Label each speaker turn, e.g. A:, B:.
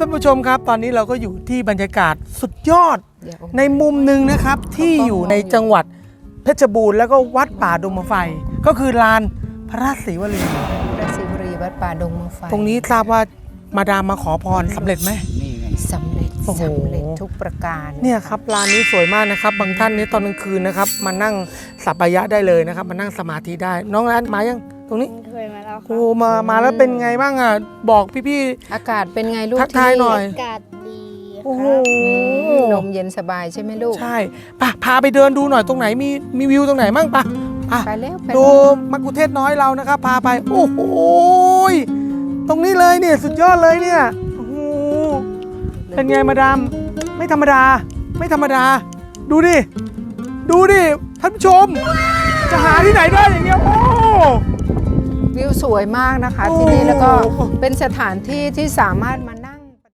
A: ท่านผู้ชมครับตอนนี้เราก็อยู่ที่บรรยากาศสุดยอด
B: เดี๋ยว
A: ในมุมหนึ่งนะครับที่อยู่ในจังหวัดเพชรบูรณ์แล้วก็วัดป่าดงมะไฟก็คือลานพระราชศรีวลี
B: พระศิวรีวัดป่าดงมะไฟ
A: ตรงนี้ทราบว่ามาดามมาขอพรสำเร็จไหม
B: สำเร็จ
A: โอ้โห
B: สำเร็จทุกประการ
A: เนี่ยครับลานนี้สวยมากนะครับบางท่านนี้ตอนกลางคืนนะครับมานั่งสัปปายะได้เลยนะครับมานั่งสมาธิได้น้องร้านมายังตรงนี้
C: เคยมาแล้วครั
A: โอ้มาแล้วเป็นไงบ้างอ่ะบอกพี่
B: อากาศเป็นไงลูก
A: ทักทายหน่อย
C: อากาศดีค
A: โอ้โห
C: รับ
B: ลมเย็นสบายใช่ไหมลูก
A: ใช่ป่ะพาไปเดินดูหน่อยตรงไหนมีวิวตรงไหนมั่งป่ะอ่ะ
B: ไปแล้วไป
A: ดู
B: แล้ว
A: มักคุเทศน้อยเรานะครับพาไปโอ้โหตรงนี้เลยเนี่ยสุดยอดเลยเนี่ยโอ้โหเป็นไงมาดามไม่ธรรมดาไม่ธรรมดาดูดิท่านผู้ชม จะหาที่ไหนได้อย่างเงี้ยโอ้
B: วิวสวยมากนะคะ
A: โอ้
B: ที่นี่แล้วก็เป็นสถานที่ที่สามารถมา